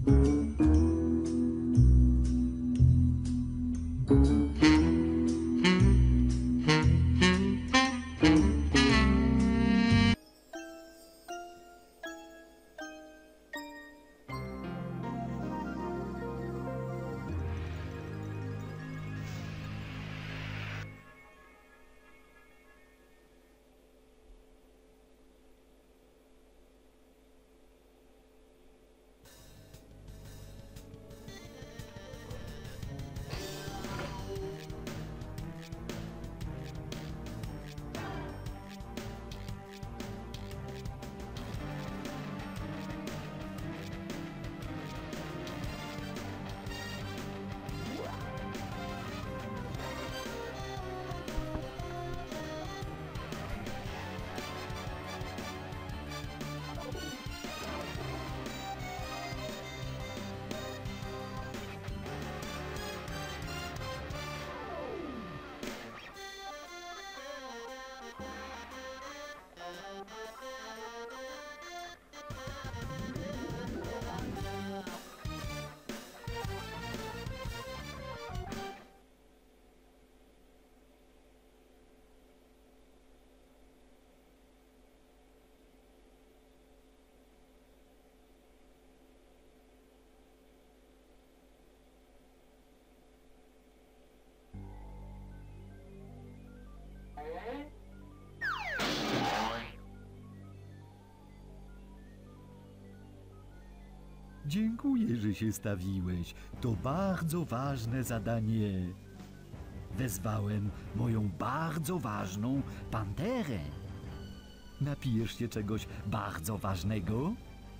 Dziękuję, że się stawiłeś. To bardzo ważne zadanie. Wezwałem moją bardzo ważną panterę. Napijesz się czegoś bardzo ważnego?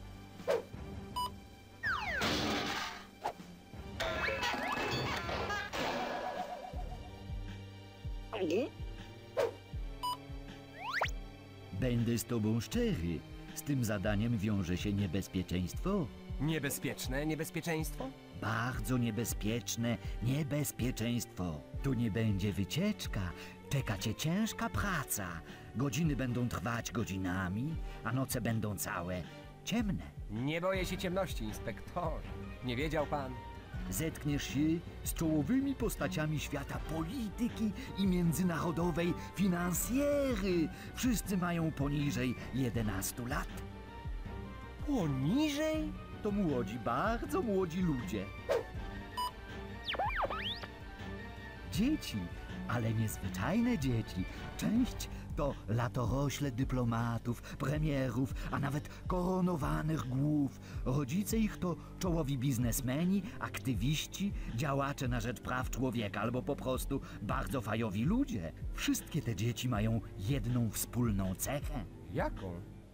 Będę z tobą szczery. Z tym zadaniem wiąże się niebezpieczeństwo. Niebezpieczne niebezpieczeństwo? Bardzo niebezpieczne niebezpieczeństwo. Tu nie będzie wycieczka. Czeka cię ciężka praca. Godziny będą trwać godzinami, a noce będą całe ciemne. Nie boję się ciemności, inspektorze. Nie wiedział pan? Zetkniesz się z czołowymi postaciami świata polityki i międzynarodowej finansjery. Wszyscy mają poniżej 11 lat. Poniżej? To młodzi, bardzo młodzi ludzie. Dzieci, ale niezwyczajne dzieci. Część to latorośle dyplomatów, premierów, a nawet koronowanych głów. Rodzice ich to czołowi biznesmeni, aktywiści, działacze na rzecz praw człowieka albo po prostu bardzo fajowi ludzie. Wszystkie te dzieci mają jedną wspólną cechę. Jaką?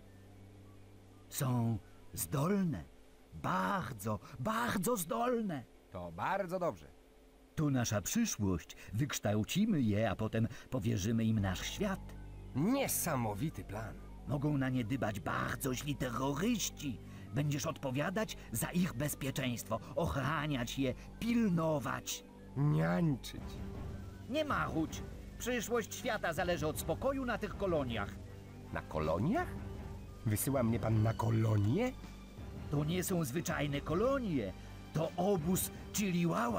Są zdolne. Bardzo, bardzo zdolne. To bardzo dobrze. To nasza przyszłość. Wykształcimy je, a potem powierzymy im nasz świat. Niesamowity plan. Mogą na nie dbać bardzo źli terroryści. Będziesz odpowiadać za ich bezpieczeństwo, ochraniać je, pilnować. Niańczyć. Nie marudź. Przyszłość świata zależy od spokoju na tych koloniach. Na koloniach? Wysyła mnie pan na kolonie? To nie są zwyczajne kolonie. To obóz Chiliwała.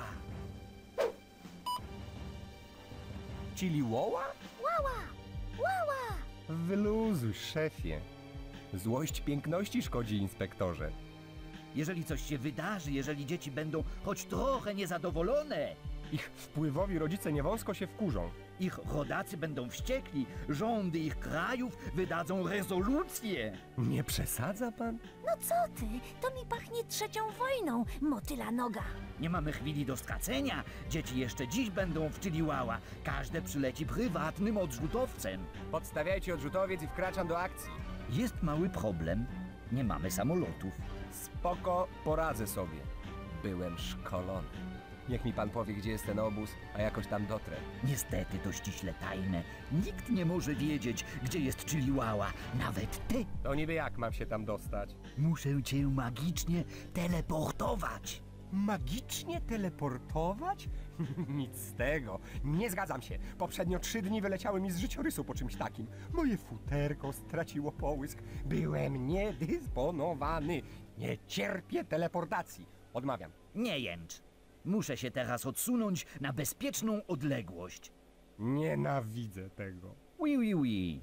Chiliwała? Łała! Łała! Wyluzuj, szefie. Złość piękności szkodzi, inspektorze. Jeżeli coś się wydarzy, jeżeli dzieci będą choć trochę niezadowolone, Ich wpływowi rodzice niewąsko się wkurzą. ich rodacy będą wściekli, rządy ich krajów wydadzą rezolucje. Nie przesadza pan? No co ty? To mi pachnie trzecią wojną, motyla noga. Nie mamy chwili do stracenia. Dzieci jeszcze dziś będą w Chiliwała. Każde przyleci prywatnym odrzutowcem. Podstawiajcie odrzutowiec i wkraczam do akcji. Jest mały problem. Nie mamy samolotów. Spoko, poradzę sobie. Byłem szkolony. Niech mi pan powie, gdzie jest ten obóz, a jakoś tam dotrę. Niestety to ściśle tajne. Nikt nie może wiedzieć, gdzie jest Chiliwała. Nawet ty. To niby jak mam się tam dostać? Muszę cię magicznie teleportować. Magicznie teleportować? Nic z tego. Nie zgadzam się. Poprzednio 3 dni wyleciały mi z życiorysu po czymś takim. Moje futerko straciło połysk. Byłem niedysponowany. Nie cierpię teleportacji. Odmawiam. Nie jęcz. Muszę się teraz odsunąć na bezpieczną odległość. Nienawidzę tego. Oui, oui, oui.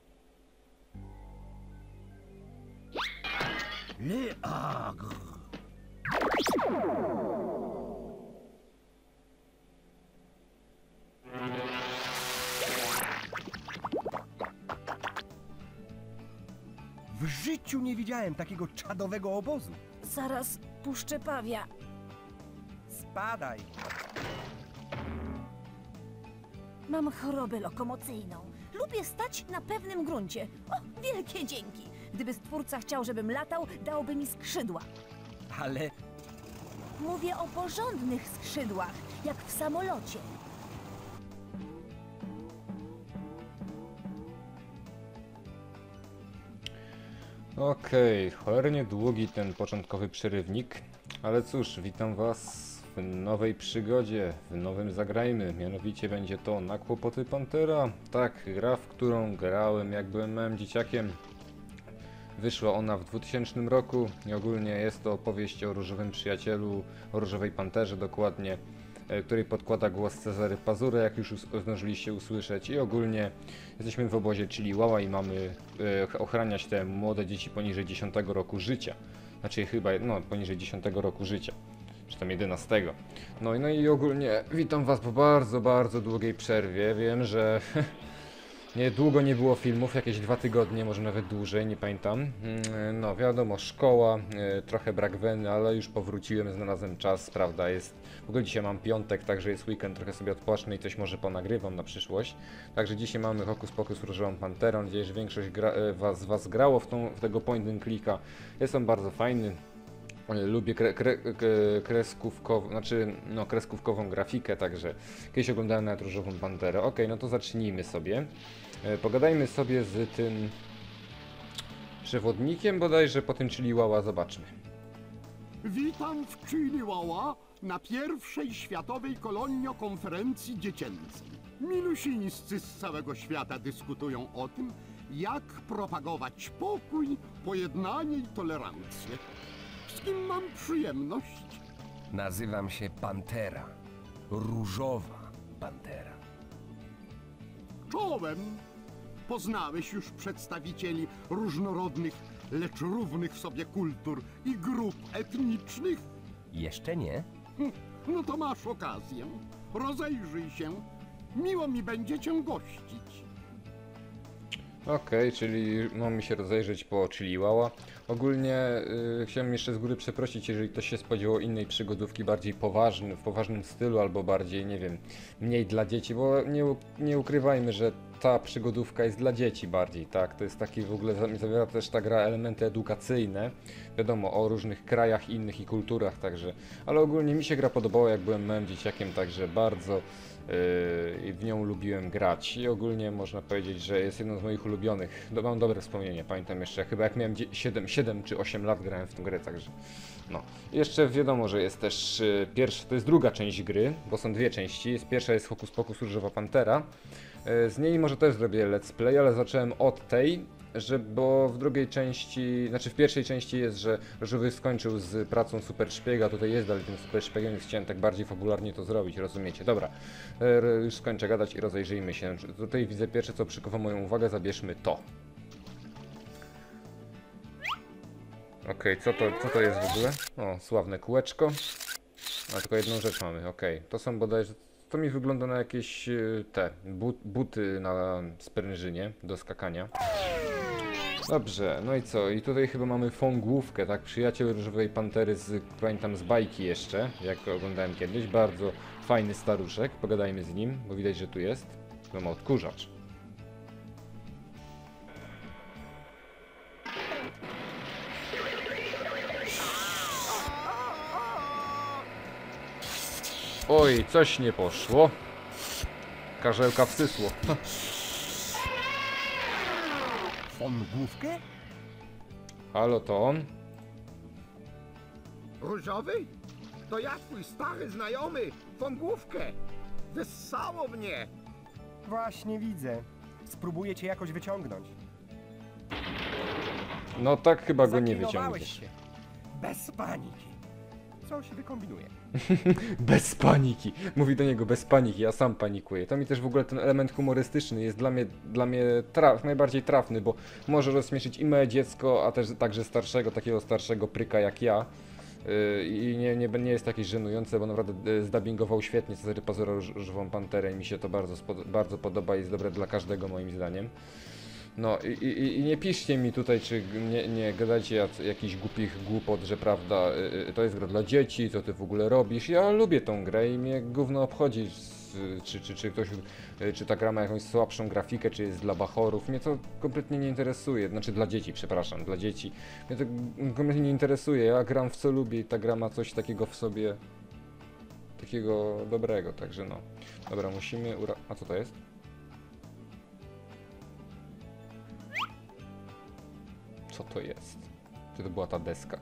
Le Agre. W życiu nie widziałem takiego czadowego obozu. Zaraz puszczę pawia. Spadaj. Mam chorobę lokomocyjną. Lubię stać na pewnym gruncie. O, wielkie dzięki. Gdyby Stwórca chciał, żebym latał, dałby mi skrzydła. Ale Mówię o porządnych skrzydłach, jak w samolocie. Okej, cholernie długi ten początkowy przerywnik, ale cóż, witam was w nowej przygodzie, w nowym zagrajmy, mianowicie będzie to Na kłopoty Pantera. Tak, gra, w którą grałem jak byłem małym dzieciakiem. Wyszła ona w 2000 roku i ogólnie jest to opowieść o różowym przyjacielu, o różowej panterze dokładnie, której podkłada głos Cezary Pazura, jak już zdążyliście usłyszeć, i ogólnie jesteśmy w obozie Chiliwała i mamy ochraniać te młode dzieci poniżej 10 roku życia. Znaczy chyba, no, poniżej 10 roku życia, czy tam 11. No i ogólnie witam was po bardzo, bardzo długiej przerwie. Wiem, że długo nie było filmów, jakieś 2 tygodnie, może nawet dłużej, nie pamiętam. No wiadomo, szkoła, trochę brak weny, ale już powróciłem, znalazłem czas, prawda, jest... W ogóle dzisiaj mam piątek, także jest weekend, trochę sobie odpocznę i coś może ponagrywam na przyszłość. Także dzisiaj mamy Hokus Pokus Różową Panterą, mam nadzieję, że większość z was grało w tego point and clicka. Jest on bardzo fajny. Lubię kreskówkową grafikę, także kiedyś oglądałem nawet Różową Panterę. Ok, no to zacznijmy sobie. Pogadajmy sobie z tym przewodnikiem bodajże, potem Chiliwała zobaczmy. Witam w Chiliwała na pierwszej światowej koloniokonferencji dziecięcej. Milusińscy z całego świata dyskutują o tym, jak propagować pokój, pojednanie i tolerancję. Z kim mam przyjemność? nazywam się Pantera. Różowa Pantera. Czołem. Poznałeś już przedstawicieli różnorodnych, lecz równych w sobie kultur i grup etnicznych? Jeszcze nie? No to masz okazję. Rozejrzyj się. Miło mi będzie cię gościć. Okej, czyli mamy się rozejrzeć po Chiliwała. Ogólnie chciałem jeszcze z góry przeprosić, jeżeli ktoś się spodziewał innej przygodówki, bardziej w poważnym stylu, albo bardziej, nie wiem, mniej dla dzieci, bo nie ukrywajmy, że ta przygodówka jest dla dzieci bardziej, tak? To jest taki w ogóle, zawiera też ta gra elementy edukacyjne, wiadomo, o różnych krajach innych i kulturach, także, ale ogólnie mi się gra podobała, jak byłem małym dzieciakiem, także bardzo w nią lubiłem grać i ogólnie można powiedzieć, że jest jedną z moich ulubionych. Mam dobre wspomnienie, pamiętam jeszcze, chyba jak miałem 7 czy 8 lat grałem w tę grę, także no. Jeszcze wiadomo, że jest też to jest druga część gry, bo są 2 części. Pierwsza jest Hokus Pokus Różowa Pantera. Z niej może też zrobię let's play, ale zacząłem od tej, bo w drugiej części, znaczy w pierwszej części jest, że Różowy skończył z pracą super szpiega, tutaj jest dalej tym super szpiegiem, więc chciałem tak bardziej fabularnie to zrobić, rozumiecie? Dobra, już skończę gadać i rozejrzyjmy się. Tutaj widzę pierwsze, co przykuwa moją uwagę, zabierzmy to. Okej, co to jest w ogóle? O, sławne kółeczko. A tylko jedną rzecz mamy, okej. To są bodajże... To mi wygląda na jakieś buty na sprężynie do skakania. Dobrze, no i co? I tutaj chyba mamy fągłówkę, tak? Przyjaciel Różowej Pantery pamiętam z bajki jeszcze, jak oglądałem kiedyś. Bardzo fajny staruszek, pogadajmy z nim, bo widać, że tu jest. No ma odkurzacz. Oj, coś nie poszło. Karzełka wsysło. Fongłówkę? Halo, to on? Różowy? To ja, twój stary znajomy, Wągłówkę. Wessało mnie. Właśnie widzę. Spróbuję cię jakoś wyciągnąć. No tak chyba go nie Zaklinowałeś wyciągniesz. się. Bez paniki. Coś wykombinuje. Bez paniki. Mówi do niego bez paniki, ja sam panikuję. To mi też w ogóle ten element humorystyczny jest dla mnie najbardziej trafny, bo może rozśmieszyć i małe dziecko, a też także takiego starszego pryka jak ja. I nie jest jakieś żenujące, bo naprawdę zdubbingował świetnie Cezary Pazura Różową Panterę i mi się to bardzo podoba i jest dobre dla każdego moim zdaniem. No i nie piszcie mi tutaj, czy nie gadajcie jakichś głupich głupot, że prawda, to jest gra dla dzieci, co ty w ogóle robisz. Ja lubię tą grę i mnie gówno obchodzi, czy ta gra ma jakąś słabszą grafikę, czy jest dla bachorów. Mnie to kompletnie nie interesuje, znaczy dla dzieci, przepraszam, dla dzieci. Mnie to kompletnie nie interesuje, ja gram w co lubię i ta gra ma coś takiego w sobie, takiego dobrego, także no. Dobra, musimy a co to jest? Co to jest? Czy to była ta deska?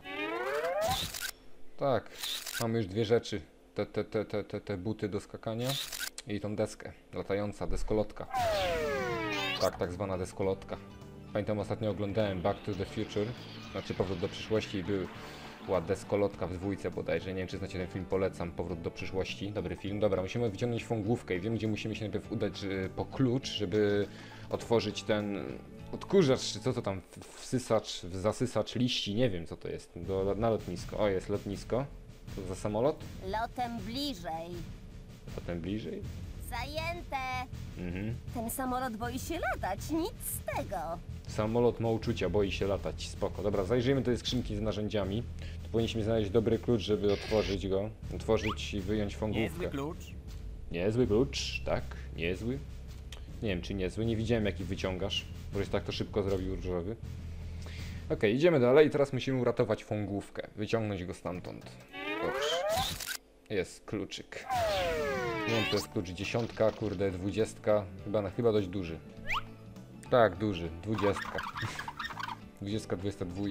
Tak, mamy już dwie rzeczy. Te buty do skakania i tą deskę. Latająca deskolotka. Tak zwana deskolotka. Pamiętam, ostatnio oglądałem Back to the Future, znaczy Powrót do przyszłości i była deskolotka w dwójce bodajże. Nie wiem, czy znacie ten film, polecam. Powrót do przyszłości, dobry film. Dobra, musimy wyciągnąć Wągłówkę i wiem, gdzie musimy się najpierw udać po klucz, żeby otworzyć ten odkurzacz, czy co to tam, zasysacz liści, nie wiem co to jest, na lotnisko. O, jest lotnisko. Co za samolot? Lotem bliżej. Potem bliżej. Zajęte. Mhm. Ten samolot boi się latać, nic z tego. Samolot ma uczucia, boi się latać, spoko. Dobra, zajrzyjmy do tej skrzynki z narzędziami. Tu powinniśmy znaleźć dobry klucz, żeby otworzyć i wyjąć Wągłówkę. Niezły klucz. Niezły klucz, tak, niezły. Nie wiem, czy niezły, nie widziałem jaki wyciągasz, boś tak to szybko zrobił różowy. Okej, idziemy dalej i teraz musimy uratować Wągłówkę, wyciągnąć go stamtąd. Dobrze. Jest kluczyk. Nie wiem, to jest klucz 10, kurde, 20, chyba dość duży. Tak, duży, 20. 20, 22.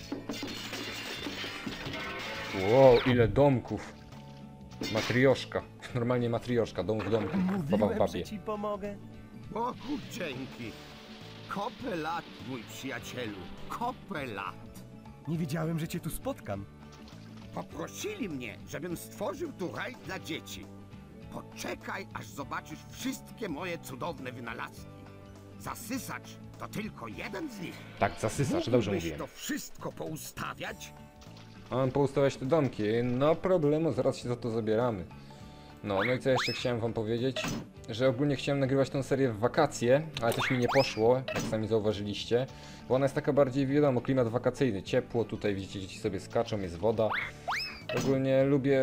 Wow, ile domków. Matrioszka. Normalnie matrioszka, dom w domku. Baba w Mówiłem, babie. że ci pomogę. Bogu dzięki. Kopę lat, mój przyjacielu. Kopę lat. Nie wiedziałem, że cię tu spotkam. Poprosili mnie, żebym stworzył tu raj dla dzieci. Poczekaj, aż zobaczysz wszystkie moje cudowne wynalazki. Zasysacz to tylko jeden z nich. Tak, zasysacz, dobrze Mógłbyś mówiłem. to wszystko poustawiać? Mam poustawiać te domki. No problemu, zaraz się za to zabieramy. No i co jeszcze chciałem wam powiedzieć? Że ogólnie chciałem nagrywać tą serię w wakacje, ale coś mi nie poszło, jak sami zauważyliście. Bo ona jest taka bardziej, wiadomo, klimat wakacyjny, ciepło, tutaj widzicie, dzieci sobie skaczą, jest woda. Ogólnie lubię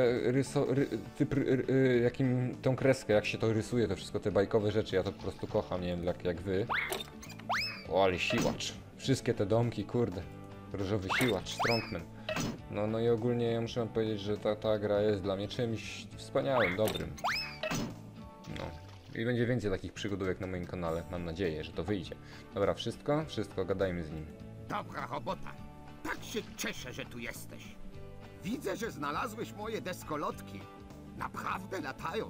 tą kreskę, jak się to rysuje, to wszystko te bajkowe rzeczy, ja to po prostu kocham, nie wiem jak wy. O, ale siłacz. Wszystkie te domki, kurde. Różowy siłacz, strongman. No i ogólnie ja muszę wam powiedzieć, że ta gra jest dla mnie czymś wspaniałym, dobrym. No. I będzie więcej takich przygodówek na moim kanale, mam nadzieję, że to wyjdzie. Dobra, wszystko, gadajmy z nim. Dobra robota. Tak się cieszę, że tu jesteś. Widzę, że znalazłeś moje deskolotki. Naprawdę latają.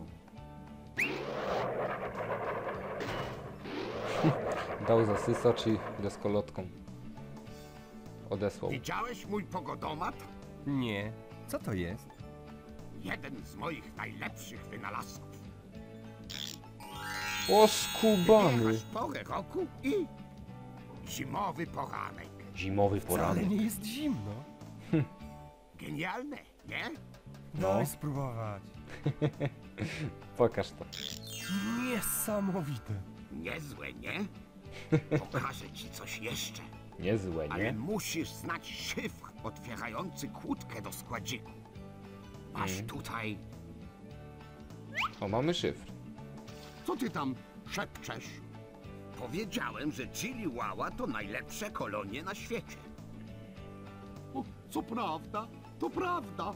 Dał zasysacz i deskolotką. Odesłał. Widziałeś mój pogodomat? Nie. Co to jest? Jeden z moich najlepszych wynalazków. O, skubany! Wybierasz porę roku i zimowy poranek. Zimowy Wcale poranek. nie jest zimno. Genialne, nie? Daj spróbować. Pokaż to. Niesamowite. Niezłe, nie? Pokażę ci coś jeszcze. Niezłe, Ale nie? musisz znać szyfr otwierający kłódkę do składziku. Masz tutaj... O, mamy szyfr. Co ty tam szepczesz? Powiedziałem, że Chiliwała to najlepsze kolonie na świecie. O, co prawda, to prawda.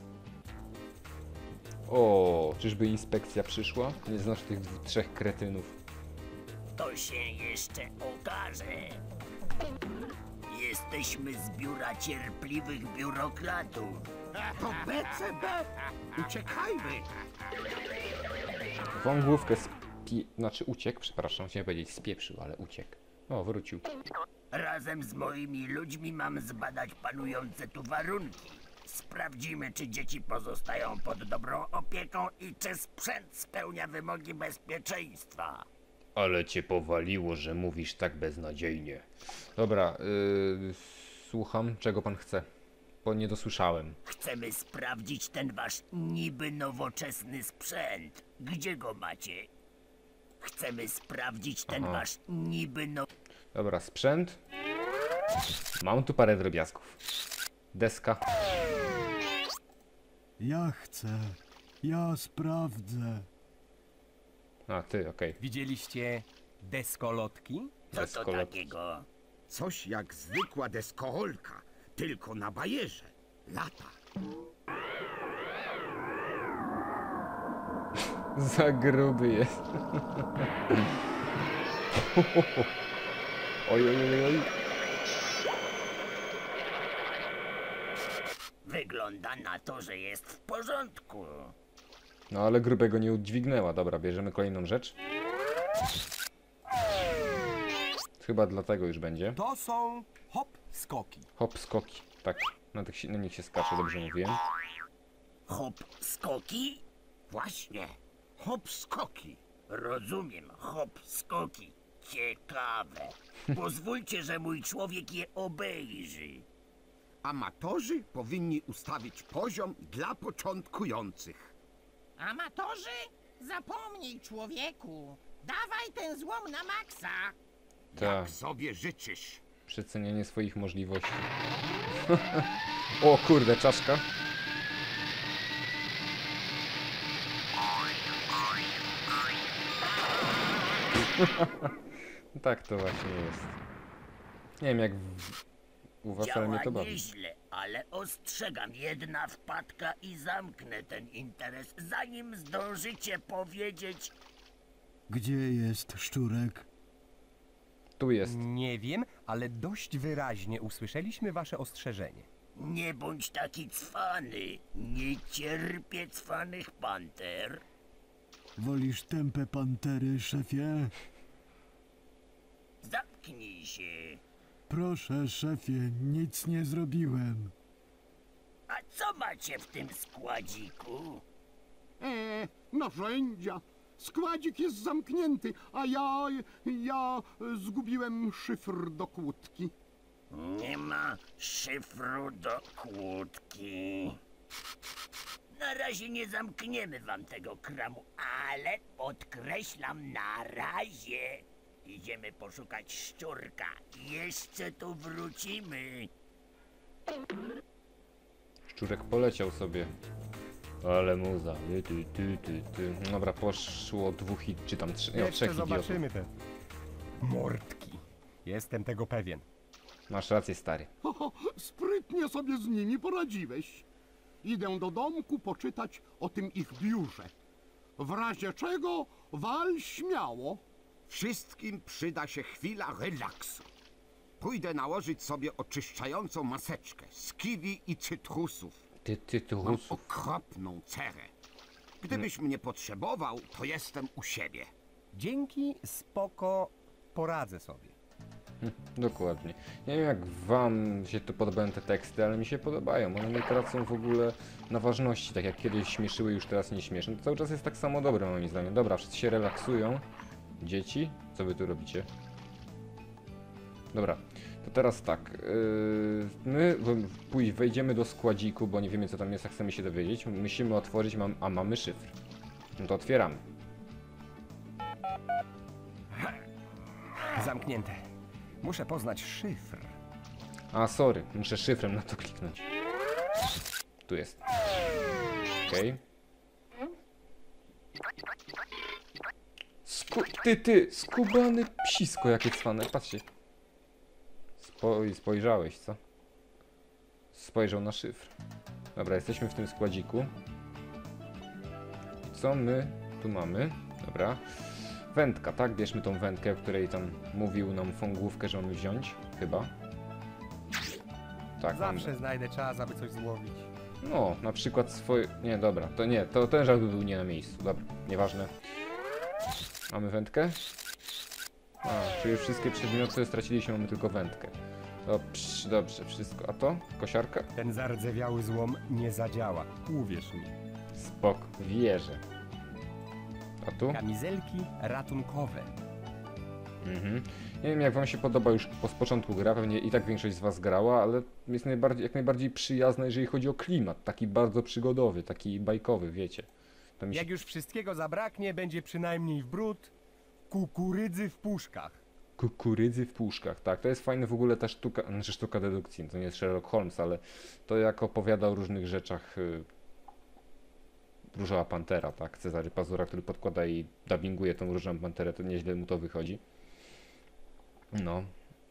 O, czyżby inspekcja przyszła? Nie znasz tych trzech kretynów. To się jeszcze okaże. Jesteśmy z biura cierpliwych biurokratów. To BCB! Uciekajmy! Wągłówkę znaczy uciekł, przepraszam, chciałem powiedzieć spieprzył, ale uciekł. O, wrócił. Razem z moimi ludźmi mam zbadać panujące tu warunki. Sprawdzimy, czy dzieci pozostają pod dobrą opieką i czy sprzęt spełnia wymogi bezpieczeństwa. Ale cię powaliło, że mówisz tak beznadziejnie. Dobra, słucham, czego pan chce? Bo nie dosłyszałem. Chcemy sprawdzić ten wasz niby nowoczesny sprzęt. Gdzie go macie? Chcemy sprawdzić ten Aha. wasz niby Dobra, sprzęt. Mam tu parę drobiazgów. Deska. Ja chcę. Ja sprawdzę. A, ty, okej. Widzieliście deskolotki? Co to Deskolot. takiego? Coś jak zwykła deskorolka, tylko na bajerze. Lata. Za gruby jest. Oj, oj, oj, oj. Wygląda na to, że jest w porządku. No ale grubego nie udźwignęła. Dobra, bierzemy kolejną rzecz. Chyba dlatego już będzie. To są hop skoki. Hop, skoki. Tak, na nich się skacze, dobrze mówiłem. Hop skoki? Właśnie. Hop skoki. Rozumiem, hop skoki. Ciekawe. Pozwólcie, że mój człowiek je obejrzy. Amatorzy powinni ustawić poziom dla początkujących. Amatorzy? Zapomnij, człowieku. Dawaj ten złom na maksa. Tak, Jak sobie życzysz. przecenienie swoich możliwości. O kurde, czaszka. Tak to właśnie jest. Nie wiem jak u was, ale mnie Działa to bawi. nieźle, ale ostrzegam, jedna wpadka i zamknę ten interes, zanim zdążycie powiedzieć... Gdzie jest szczurek? Tu jest. Nie wiem, ale dość wyraźnie usłyszeliśmy wasze ostrzeżenie. Nie bądź taki cwany. Nie cierpię cwanych panter. Wolisz tępe pantery, szefie? Zamknij się. Proszę, szefie, nic nie zrobiłem. A co macie w tym składziku? Narzędzia. Składzik jest zamknięty, a ja zgubiłem szyfr do kłódki. Nie ma szyfru do kłódki. Na razie nie zamkniemy wam tego kramu, ale podkreślam, na razie. Idziemy poszukać szczurka. Jeszcze tu wrócimy. Szczurek poleciał sobie. Ale muza. Ty. Dobra, poszło dwóch czy tam trzech Jeszcze idiotów. zobaczymy te mordki. Jestem tego pewien. Masz rację, stary. Sprytnie sobie z nimi poradziłeś. Idę do domku poczytać o tym ich biurze. W razie czego wal śmiało. Wszystkim przyda się chwila relaksu. Pójdę nałożyć sobie oczyszczającą maseczkę z kiwi i cytrusów. Ty Mam rusów. okropną cerę. Gdybyś mnie potrzebował, to jestem u siebie. Dzięki, spoko, poradzę sobie. Dokładnie. Nie wiem jak wam się to podobają te teksty, ale mi się podobają. One nie tracą w ogóle na ważności, tak jak kiedyś śmieszyły, już teraz nie śmieszą. To cały czas jest tak samo dobre moim zdaniem. Dobra, wszyscy się relaksują. Dzieci, co wy tu robicie? Dobra, to teraz tak. My wejdziemy do składziku, bo nie wiemy co tam jest, a chcemy się dowiedzieć. Musimy otworzyć, a mamy szyfr. No to otwieramy. Zamknięte. Muszę poznać szyfr. A, sorry, muszę szyfrem na to kliknąć. Tu jest. Okej. Skubany psisko jakie cwane, patrzcie. Spojrzałeś, co? Spojrzał na szyfr. Dobra, jesteśmy w tym składziku. Co my tu mamy? Dobra. Wędka, tak? Bierzmy tą wędkę, o której tam mówił nam Fągłówkę, że mamy wziąć. Chyba. Tak, Zawsze znajdę czas, aby coś złowić. no, na przykład swoje... Nie, dobra, to nie, to ten żart by był nie na miejscu. Dobra, nieważne. Mamy wędkę? A, czyli wszystkie przedmioty straciliśmy, mamy tylko wędkę. Dobrze, dobrze, wszystko. A to? Kosiarka? Ten zardzewiały złom nie zadziała. Uwierz mi. Spoko, wierzę. A tu? Kamizelki ratunkowe. Mhm. Nie wiem, jak wam się podoba już z początku gra, pewnie i tak większość z was grała, ale jest jak najbardziej przyjazna, jeżeli chodzi o klimat. Taki bardzo przygodowy, taki bajkowy, wiecie. To mi się... Jak już wszystkiego zabraknie, będzie przynajmniej w bród kukurydzy w puszkach. Kukurydzy w puszkach, tak, to jest fajne w ogóle ta sztuka, znaczy sztuka dedukcji, to nie jest Sherlock Holmes, ale to jak opowiada o różnych rzeczach Różowa Pantera, tak, Cezary Pazura, który podkłada i dubbinguje tą Różową Panterę, to nieźle mu to wychodzi. No.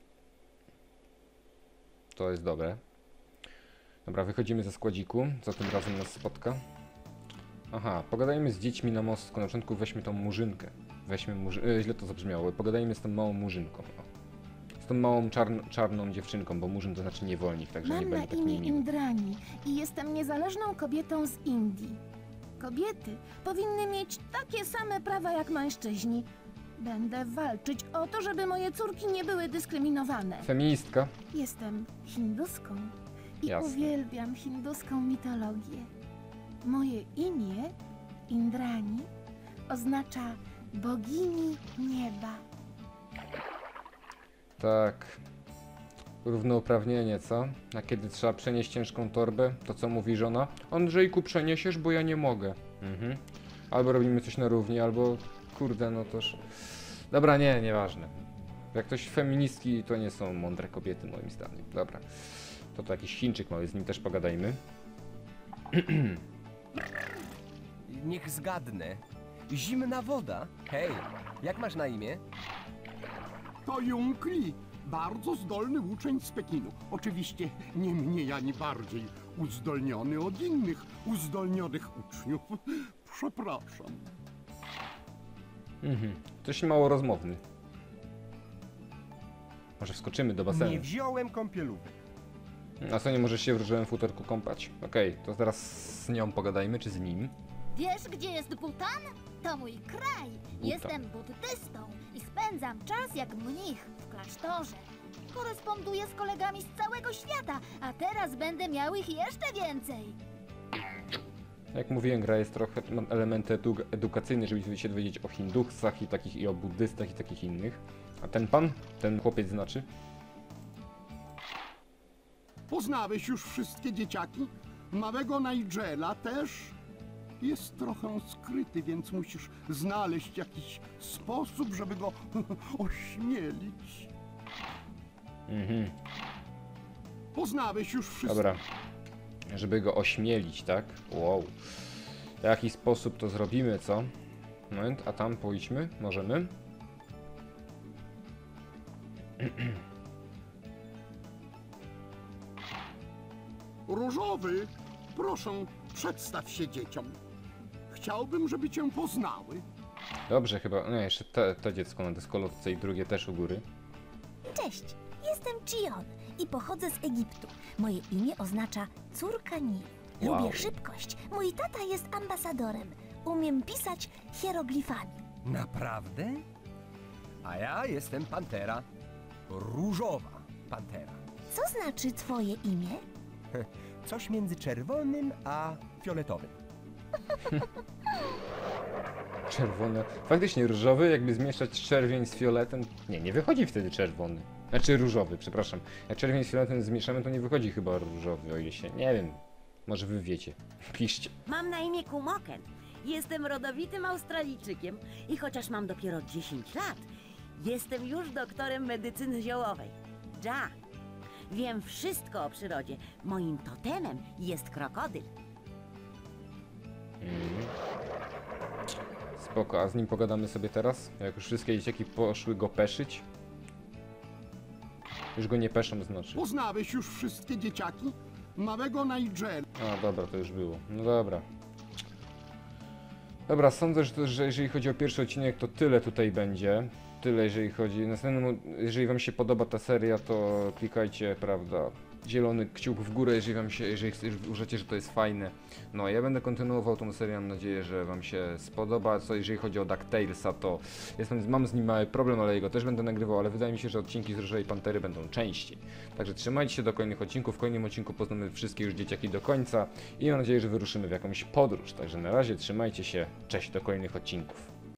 To jest dobre. Dobra, wychodzimy ze składziku, co tym razem nas spotka. Aha, pogadajmy z dziećmi na mostku, na początku weźmy tą murzynkę. Weźmy źle to zabrzmiało, pogadajmy z tą małą murzynką. O. Z tą małą czarną dziewczynką, bo murzyn to znaczy niewolnik, także nie Mam na będzie tak imię niemiły. Indrani i jestem niezależną kobietą z Indii. Kobiety powinny mieć takie same prawa jak mężczyźni. Będę walczyć o to, żeby moje córki nie były dyskryminowane. Feministka. Jestem hinduską i Jasne. uwielbiam hinduską mitologię. Moje imię, Indrani, oznacza bogini nieba. Tak. Równouprawnienie, co? A kiedy trzeba przenieść ciężką torbę, to co mówi żona? Andrzejku, przeniesiesz, bo ja nie mogę. Mhm. Albo robimy coś na równi, albo... Kurde, no toż... Dobra, nieważne. Jak ktoś feministki, to nie są mądre kobiety, moim zdaniem. Dobra. To jakiś Chińczyk mały, z nim też pogadajmy. Niech zgadnę. Zimna woda? Hej, jak masz na imię? To Jung Li, bardzo zdolny uczeń z Pekinu. Oczywiście nie mniej ani bardziej uzdolniony od innych uzdolnionych uczniów. Przepraszam. Mhm. Coś mało rozmowny. Może wskoczymy do basenu. Nie wziąłem kąpielówek. A co, nie możesz się w różowym futerku kąpać? Okej, to teraz z nią pogadajmy, czy z nim? Wiesz, gdzie jest Butan? To mój kraj. Jestem buddystą i spędzam czas jak mnich w klasztorze. Koresponduję z kolegami z całego świata, a teraz będę miał ich jeszcze więcej. Jak mówiłem, gra jest trochę, ma elementy edukacyjne, żeby się dowiedzieć o hindusach i takich, i o buddystach i takich innych. A ten pan? Ten chłopiec znaczy? Poznałeś już wszystkie dzieciaki? Małego Nigela też? Jest trochę skryty, więc musisz znaleźć jakiś sposób, żeby go ośmielić. Mhm. Poznałeś już wszystkie... Dobra. Żeby go ośmielić, tak? Wow. W jaki sposób to zrobimy, co? Moment, a tam pójdźmy? Możemy? Różowy, proszę, przedstaw się dzieciom. Chciałbym, żeby cię poznały. Dobrze, chyba. Nie, jeszcze to dziecko na deskolotce i drugie też u góry. Cześć, jestem Chion i pochodzę z Egiptu. Moje imię oznacza córka Nilu. Wow. Lubię szybkość. Mój tata jest ambasadorem. Umiem pisać hieroglifami. Naprawdę? A ja jestem Pantera. Różowa Pantera. Co znaczy twoje imię? Coś między czerwonym a fioletowym. Czerwone. Faktycznie różowy, jakby zmieszać czerwień z fioletem. Nie wychodzi wtedy czerwony. Znaczy różowy, przepraszam. Jak czerwień z fioletem zmieszamy, to nie wychodzi chyba różowy, o ile się... Nie wiem. Może wy wiecie. Piszcie. Mam na imię Kumoken. Jestem rodowitym Australijczykiem i chociaż mam dopiero 10 lat, jestem już doktorem medycyny ziołowej. Ja. Wiem wszystko o przyrodzie. Moim totemem jest krokodyl. Spoko, a z nim pogadamy sobie teraz? Jak już wszystkie dzieciaki poszły go peszyć? Już go nie peszą, znaczy. Poznałeś już wszystkie dzieciaki? Małego Nigela. A, dobra, to już było. No dobra. Dobra, sądzę, że jeżeli chodzi o pierwszy odcinek, to tyle tutaj będzie. Tyle, jeżeli chodzi... Następnym, jeżeli wam się podoba ta seria, to klikajcie, prawda, zielony kciuk w górę, jeżeli wam się, jeżeli uważacie, że to jest fajne. No, ja będę kontynuował tą serię, mam nadzieję, że wam się spodoba. Co jeżeli chodzi o DuckTalesa, to mam z nim mały problem, ale jego też będę nagrywał, ale wydaje mi się, że odcinki z Różowej Pantery będą częściej. Także trzymajcie się do kolejnych odcinków. W kolejnym odcinku poznamy wszystkie już dzieciaki do końca i mam nadzieję, że wyruszymy w jakąś podróż. Także na razie trzymajcie się, cześć, do kolejnych odcinków.